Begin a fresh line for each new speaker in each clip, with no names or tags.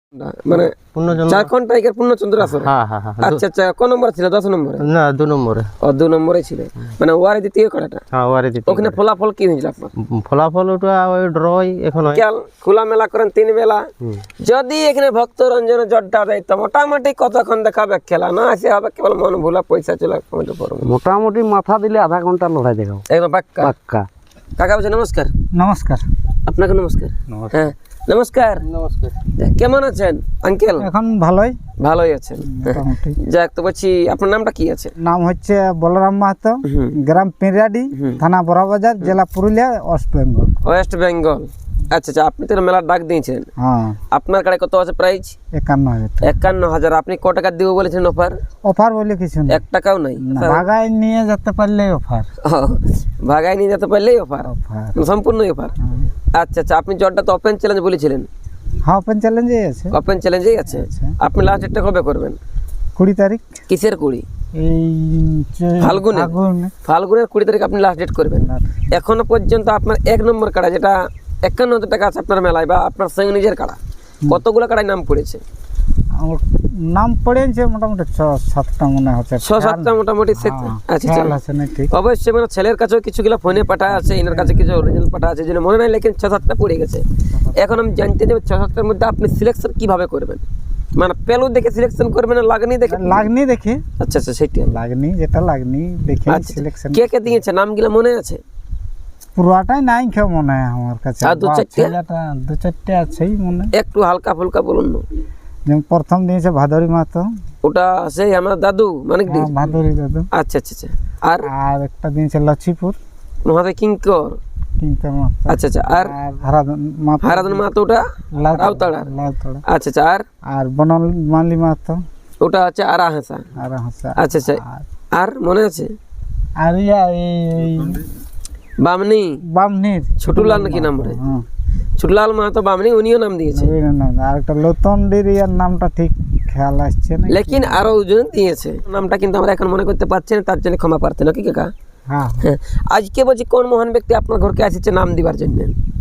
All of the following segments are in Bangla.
মানে ঝাড়খণ্ড টাইগার পূর্ণচন্দ্র আসরে। আচ্ছা আচ্ছা, কোন নম্বর ছিল? 10 নম্বরে
না 2 নম্বরে।
ও 2 নম্বরে ছিল, মানে ওয়ারে দ্বিতীয় কাটাটা।
হ্যাঁ ওয়ারে দ্বিতীয়।
ওখানে ফলাফল কি হয়েছিল আপনার?
ফলাফল ওটা ওই ড্রই এখন হয়।
খোলা মেলা করেন 3 বেলা। যদি এখানে ভক্ত রঞ্জন জড্ডা দেয় তো মোটামুটি কতক্ষণ দেখাবে খেলা? না আসে হবে কেবল মন ভোলা পয়সা চলে কমেন্ট করব।
মোটামুটি মাথা দিলে আধা ঘন্টা লড়াই দেখাবো
একদম পাক্কা
পাক্কা।
কাকা বলছে নমস্কার।
নমস্কার।
আপনাকে নমস্কার। হ্যাঁ নমস্কার।
নমস্কার।
কেমন আছেন আঙ্কেল?
এখন ভালোই
ভালোই আছেন।
মোটামুটি।
যাক, তো বলছি আপনার নামটা কি আছে?
নাম হচ্ছে বলরাম মাহাতো, গ্রাম পিঁড়াডি, থানা বড়বাজার, জেলা পুরুলিয়া, ওয়েস্ট বেঙ্গল।
ওয়েস্ট বেঙ্গল। আচ্ছা আচ্ছা, আপনি তো মেলার ডাক দিয়েছেন।
হ্যাঁ।
আপনার কাছে কত আছে প্রাইস?
51,000।
51,000। আপনি ক টাকা দিব বলেছেন অফার?
অফার বলে কিছু না,
1 টাকাও নাই।
ভাগায় নিয়ে যেতে পারলে অফার।
ভাগায় নিয়ে যেতে পারলেই অফার,
অফার
সম্পূর্ণই অফার। আচ্ছা আচ্ছা, আপনি জটটা তো ওপেন চ্যালেঞ্জ বলেছিলেন।
হ্যাঁ ওপেন চ্যালেঞ্জেই আছে।
ওপেন চ্যালেঞ্জেই আছে। আপনি লাস্ট ডেটটা কবে করবেন?
20 তারিখ।
কিসের 20?
এই
ফাল্গুনে। ফাল্গুনের 20 তারিখ আপনি লাস্ট ডেট করবেন। এখনো পর্যন্ত আপনার 1 নম্বর কাড়া যেটা 51,000 টাকা আছে আপনার মেলায় বা আপনার সঙ্গে নিজের কাড়া, কতগুলো কাড়ায় নাম পড়েছে?
নাম পড়েছে মোটামুটি 6-7টা মনে হচ্ছে।
6-7টা মোটামুটি। আচ্ছা
আচ্ছা,
অবশ্যই মানে ছেলের কাছেও কিছুগুলো ফোনে পাঠা আছে, এনার কাছে কিছু অরিজিনাল পাঠা আছে, যেন মনে নাই, লেকিন 6-7টা পড়ে গেছে। এখন আমি জানতে চাই 6-7টার মধ্যে আপনি সিলেকশন কিভাবে করবেন? মানে পেলু দেখে সিলেকশন করবেন না লাগনি দেখে?
লাগনি দেখে।
আচ্ছা আচ্ছা, সেটাই
লাগনি, যেটা লাগনি দেখে সিলেকশন।
কে কে দিয়েছে নামগুলো মনে আছে?
পুরোটাই নাই কেউ মনে হয় আমার কাছে।
আর
2-4টে আছেই মনে।
একটু হালকা ফুলকা বলুন না।
যেমন প্রথম দিয়েছে ভাদরি মাহাতো,
ওটা সেই আমার দাদু মানে
ভাদরি দাদু।
আচ্ছা আচ্ছা আচ্ছা। আর
একটা দিয়েছে লক্ষ্মীপুর
মহাদেব কিঙ্কর।
মাহাতো।
আচ্ছা আচ্ছা। আর হারাধন মাহাতো, ওটা রাউতাড়া। আচ্ছা আচ্ছা। আর
বনমালী মাহাতো,
ওটা হচ্ছে আরা হাসা। আচ্ছা আচ্ছা। আর মনে আছে? আর
এই
বামনির ছোটুলাল নাকি নাম রে? ছোটলাল মাহাতো বামনি, উনিও নাম দিয়েছে।
আর একটা লতনডির ইয়ার নামটা ঠিক খেয়াল আসছে না,
লেকিন আরো ওজন দিয়েছে নামটা, কিন্তু আমরা এখন মনে করতে পারছি না, তার জন্য ক্ষমা প্রার্থী নাকি কাকা?
হ্যাঁ।
আজকে বলছি কোন মহান ব্যক্তি আপনার ঘরকে আসছে নাম দিবার জন্য?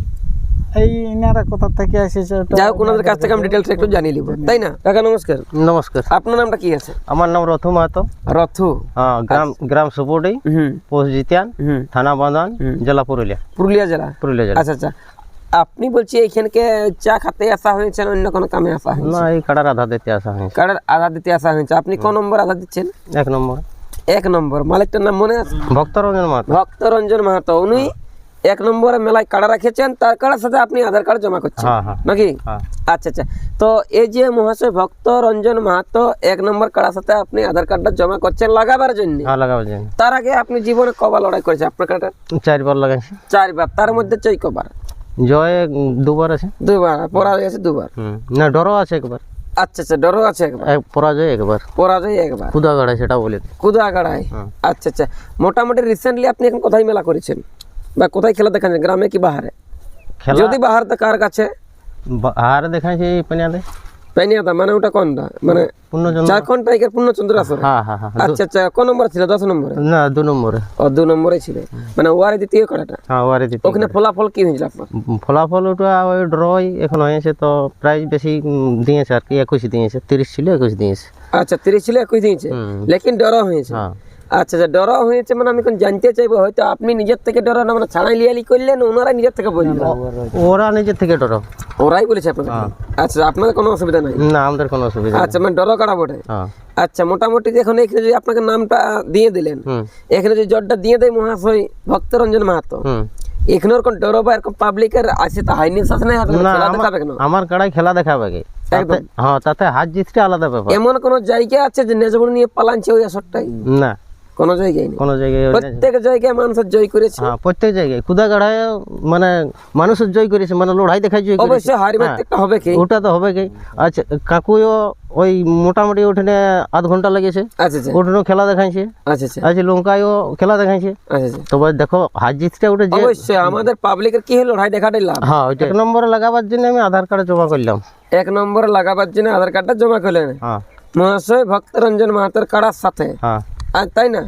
এই ইনারা কোথা থেকে এসেছে?
যাই হোক, ওনাদের কাছ থেকে আমি ডিটেলস একটু জানিয়ে নিব, তাই না কাকা? নমস্কার।
নমস্কার।
আপনার নামটা কি আছে?
আমার নাম রথু মাহাতো।
রথু।
হ্যাঁ, গ্রাম সুপুরি, পোস্ট জিতিয়ান, থানা বাঁধান, জেলা পুরুলিয়া জেলা। আচ্ছা আচ্ছা। আপনি বলছি এইখানকে চা খেতে আসা হয়েছে, অন্য কোনো কামে আসা হয়েছে? না, এই কাড়ার আধা দিতে আসা হয়েছে।
কাড়ার আধা দিতে আসা হয়েছে। আপনি কোন নম্বর আধা দিচ্ছেন?
1 নম্বর।
1 নম্বর। মালিকটার নাম মনে আছে?
ভক্তরঞ্জন মাহাতো।
ভক্তরঞ্জন মাহাতো। উনি 1 নম্বরে মেলায় কাড়া রাখেছেন, তার কাড়ার সাথে আপনি আধার কার্ড জমা করছেন নাকি? আচ্ছা আচ্ছা। তো এই যে মহাশয় ভক্তরঞ্জন মাহাতো 1 নম্বর কাড়ার সাথে আপনি আধার কার্ডটা জমা করছেন লাগাবার জন্য। তার আগে আপনি জীবনে কবার লড়াই করেছেন আপনার কাড়াটা?
4 বার লাগাইছি।
4 বার। তার মধ্যে জয় কবার?
জয় 2 বার আছে।
2 বার। পরাজয় আছে 2 বার।
না, ডরও আছে 1 বার।
আচ্ছা আচ্ছা, ডরও আছে 1 বার।
পরাজয় 1 বার।
পরাজয় 1 বার।
কুদাগাড়ায়, সেটা বলে
কুদাগাড়ায়। আচ্ছা আচ্ছা। মোটামুটি রিসেন্টলি আপনি এখন কোথায় মেলা করেছেন বা কোথায় খেলা দেখাচ্ছেন, গ্রামে কি বাহারে? যদি বাহার তো কার কাছে?
বাহারে দেখাইছি
পেনিয়াদা। মানে ওটা কোনটা? মানে ঝাড়খণ্ড টাইগার পূর্ণচন্দ্র আসরে। আচ্ছা আচ্ছা। কোন নম্বর ছিল? 10 নম্বরে।
না 2 নম্বরে।
ও 2 নম্বরে ছিল, মানে ওয়ারে দ্বিতীয় কাড়াটা।
হ্যাঁ ওয়ারে দ্বিতীয়।
ওখানে ফলাফল কি হয়েছিল আপনার?
ফলাফল ওটা ওই ড্রই এখন হয়েছে, তো প্রাইস বেশি দিয়েছে আর কি। 21 দিয়েছে। 30 ছিল 21 দিয়েছে।
আচ্ছা, 30 ছিল 21 দিয়েছে, লেকিন ডর হয়েছে। আচ্ছা আচ্ছা, ডর হয়েছে। মানে আমি জানতে চাইবো, হয়তো আপনি নিজের থেকে ডর না, মানে ছাড়াই লিয়ালি করলেন, ওনারা নিজের থেকে বললেন?
ওরা নিজের থেকে ডর,
ওরাই বলেছে আপনাদের? আচ্ছা, আপনাদের কোনো অসুবিধা নাই?
না, আমাদের কোনো অসুবিধা।
আচ্ছা, মানে ডর কাটা বটে। আচ্ছা, মোটামুটি এখন এখানে যদি আপনাকে নামটা দিয়ে দিলেন, এখানে যদি জটটা দিয়ে দেয় মহাশয় ভক্তরঞ্জন মাহাতো, এখানের কোন ডর বা এরকম পাবলিকের আছে তা হাইনি শাসন নাই? খেলা দেখাবে কেন?
আমার কাড়াই খেলা দেখাবে কি? হ্যাঁ, তাতে হাত জিতটা আলাদা ব্যাপার।
এমন কোন জায়গা আছে যে নেজবুল নিয়ে পালানছে ওই আসরটাই?
না,
কোন জায়গায় নেই।
কোন জায়গায়
প্রত্যেক জায়গায় মানুষের জয় করেছে।
হ্যাঁ, প্রত্যেক জায়গায় কুদাগাড়ায় মানে মানুষের জয় করেছে, মানে লড়াই দেখাই জয় করেছে।
অবশ্যই হারি মারতে একটা হবে কি?
ওটা তো হবে কি। আচ্ছা, কাকুও ওই মোটামুটি ওখানে আধ ঘন্টা লেগেছে।
আচ্ছা আচ্ছা।
ওখানেও খেলা দেখাইছে।
আচ্ছা আচ্ছা।
আচ্ছা, লঙ্কায়ও খেলা দেখাইছে।
আচ্ছা আচ্ছা।
তবে দেখো হার জিতটা ওটা
অবশ্যই আমাদের পাবলিকের কি হলো, লড়াই দেখাটাই লাভ।
হ্যাঁ, ওইটা 1 নম্বরে লাগাবার জন্য আমি আধার কার্ড জমা করলাম।
1 নম্বরে লাগাবার জন্য আধার কার্ডটা জমা করলেন মহাশয় ভক্তরঞ্জন মাহাতোর কাড়ার সাথে। তাই না?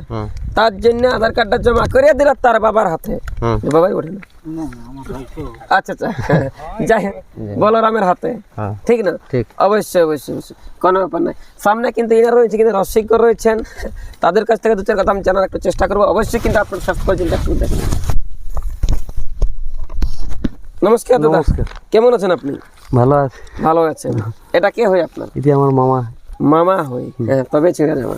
তার জন্য আধার কার্ডটা জমা করে দিল তার বাবার হাতে, বাবাই ওঠে না, আচ্ছা আচ্ছা যাই হোক বলরামের হাতে, ঠিক না?
ঠিক।
অবশ্যই অবশ্যই অবশ্যই কোনো ব্যাপার নাই। সামনে কিন্তু এরা রয়েছে, কিন্তু রসিকর রয়েছেন, তাদের কাছ থেকে দু চার কথা আমি জানার একটু চেষ্টা করবো। অবশ্যই কিন্তু আপনার সাথে পর্যন্ত একটু দেখুন। নমস্কার দাদা, কেমন আছেন আপনি?
ভালো আছে।
ভালো আছেন। এটা কে হয় আপনার?
এটি আমার মামা।
মামা হই, হ্যাঁ তবে ছেড়ে যাওয়া।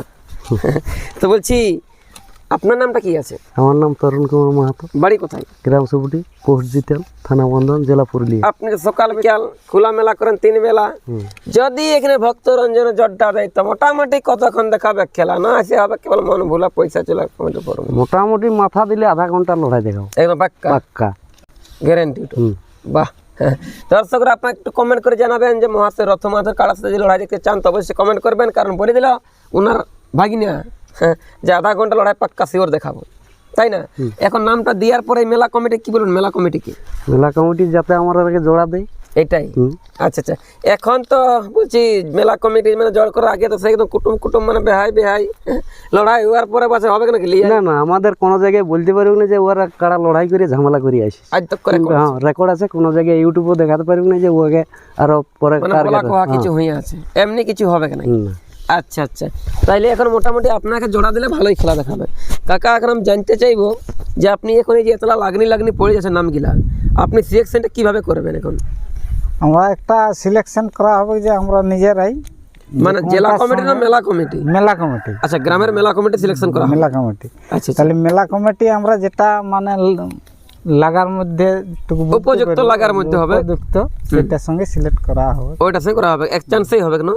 তো বলছি আপনার নামটা কি আছে?
আমার নাম তরুণ কুমার মাহাতো।
বাড়ি কোথায়?
গ্রাম সুপুটি, পোস্ট জিতেন, থানা বন্ধন, জেলা পুরুলিয়া।
আপনি সকাল বিকাল খোলা মেলা করেন 3 বেলা, যদি এখানে ভক্ত রঞ্জনে জড্ডা দেয় তো মোটামুটি কতক্ষণ দেখাবে খেলা? না আসে হবে কেবল মন ভোলা পয়সা চলে পড়বে?
মোটামুটি মাথা দিলে আধা ঘন্টা লড়াই দেখাও,
একদম পাক্কা
পাক্কা
গ্যারান্টি। বাহ। দর্শকরা আপনার একটু কমেন্ট করে জানাবেন যে মহাশয় রথমাথের কাড়ার সাথে যদি লড়াই দেখতে চান তো অবশ্যই কমেন্ট করবেন, কারণ বলে দিল ওনার ভাগিনা যে আধা ঘন্টা লড়াই পাক্কা শিওর দেখাবো, তাই না? এখন নামটা দেওয়ার পরে মেলা কমিটি কি বলুন? মেলা কমিটি কি?
মেলা কমিটি যাতে আমার আগে জোড়া দেয়
এটাই। আচ্ছা আচ্ছা, এখন তো বলছি মেলা কমিটি মানে জড় করার আগে তো একদম কুটুম মানে বেহাই লড়াই হওয়ার পরে বাসে হবে নাকি?
না না, আমাদের কোনো জায়গায় বলতে পারবো না যে ওরা কারা লড়াই করে ঝামেলা করে আসিস।
আজ তক করে
হ্যাঁ রেকর্ড আছে, কোনো জায়গায় ইউটিউবে দেখাতে পারবো না যে ওকে আরো পরে
মানে বলা কোয়া কিছু হয়ে আছে, এমনি কিছু হবে না। আচ্ছা আচ্ছা, তাইলে এখন মোটামুটি আপনাকে জোড়া দিলে ভালোই খেলা দেখাবে। কাকা এখন আমি জানতে চাইবো যে আপনি এখন এই যে এতলা লাগনি পড়ে যাচ্ছে নামগুলা, আপনি সিলেকশনটা কিভাবে করবেন? এখন
আমরা একটা সিলেকশন করা হবে যে আমরা নিজেরাই,
মানে জেলা কমিটি না মেলা কমিটি?
মেলা কমিটি।
আচ্ছা, গ্রামের মেলা কমিটি সিলেকশন করা হবে।
মেলা কমিটি।
আচ্ছা,
তাহলে মেলা কমিটি আমরা যেটা মানে লাগার মধ্যে
উপযুক্ত লাগার মধ্যে হবে,
উপযুক্ত সেটার সঙ্গে সিলেক্ট করা হবে।
ওইটার সঙ্গে করা হবে, এক চান্সেই হবে না?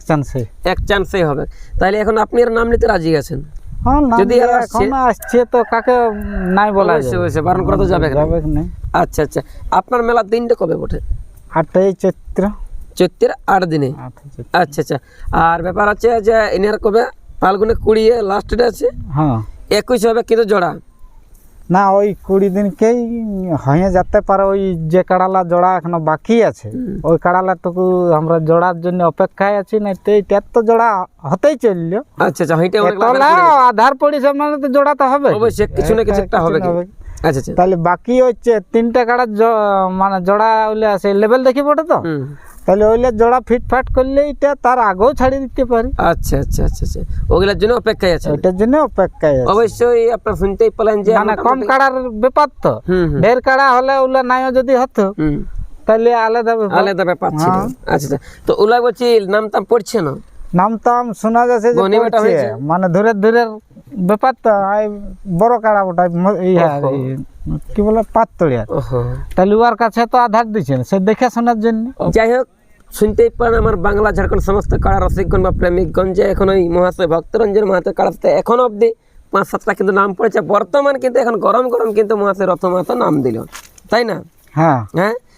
এক চান্সে
হবে। তাহলে এখন আপনি এর নাম নিতে রাজি আছেন?
হ্যাঁ,
যদি
এখন আসছে তো কাকে নাই বলা যাবে,
বারণ করা তো যাবে
না।
আচ্ছা আচ্ছা, আপনার মেলার দিনটা কবে বটে?
8ই চৈত্র।
চৈত্রের 8 দিনে। আচ্ছা আচ্ছা, আর ব্যাপার আছে যে এনার কবে ফাল্গুনে 20 লাস্ট ডে আছে,
হ্যাঁ
21 হবে কিন্তু জোড়া
না, ওই 20 দিনকেই হয়ে যেতে পারে। ওই যে কাড়ালা জোড়া এখনো বাকি আছে, ওই কাড়ালাটুকু আমরা জোড়ার জন্য অপেক্ষায় আছি, না তো এইটার তো জোড়া হতেই চললো।
আচ্ছা আচ্ছা, হইতে
আধার পরিচয় মানে তো জোড়া তো হবে,
অবশ্যই কিছু না কিছু একটা হবে। আচ্ছা আচ্ছা,
তাহলে বাকি হচ্ছে 3টা কাড়া মানে জোড়া হইলে আছে লেভেল দেখি বটে তো, তাহলে ওইলে জোড়া ফিটফাট করলে এটা তার আগেও ছাড়িয়ে দিতে পারি।
আচ্ছা আচ্ছা আচ্ছা আচ্ছা, ওগুলোর জন্য অপেক্ষায় আছে,
ওইটার জন্য অপেক্ষায় আছে।
অবশ্যই আপনারা শুনতেই পেলেন যে
মানে কম কাড়ার ব্যাপার তো, ঢের কাড়া হলে ওগুলা নাইও যদি হতো তাহলে আলাদা ব্যাপার
ছিল। আচ্ছা আচ্ছা, তো ওগুলা বলছি নাম টাম পড়ছে না?
নাম টাম শোনা যাচ্ছে যে পড়ছে, মানে ধরে ব্যাপার তো বড় কাড়া ওটা কি বলে পাততড়িয়া, তাহলে ওর কাছে তো আধার দিচ্ছেন সে দেখে শোনার জন্য।
যাই হোক, শুনতেই পারেন আমার বাংলা ঝাড়খণ্ড সমস্ত কাড়া রসিকগণ বা প্রেমিকগণ যে এখন ওই মহাশয় ভক্তরঞ্জন মাহাতো কাড়াতে এখন অব্দি 5-7টা কিন্তু নাম পড়েছে। বর্তমান কিন্তু এখন গরম কিন্তু মহাশয় রথ মাহাতো নাম দিল, তাই না?
হ্যাঁ
হ্যাঁ,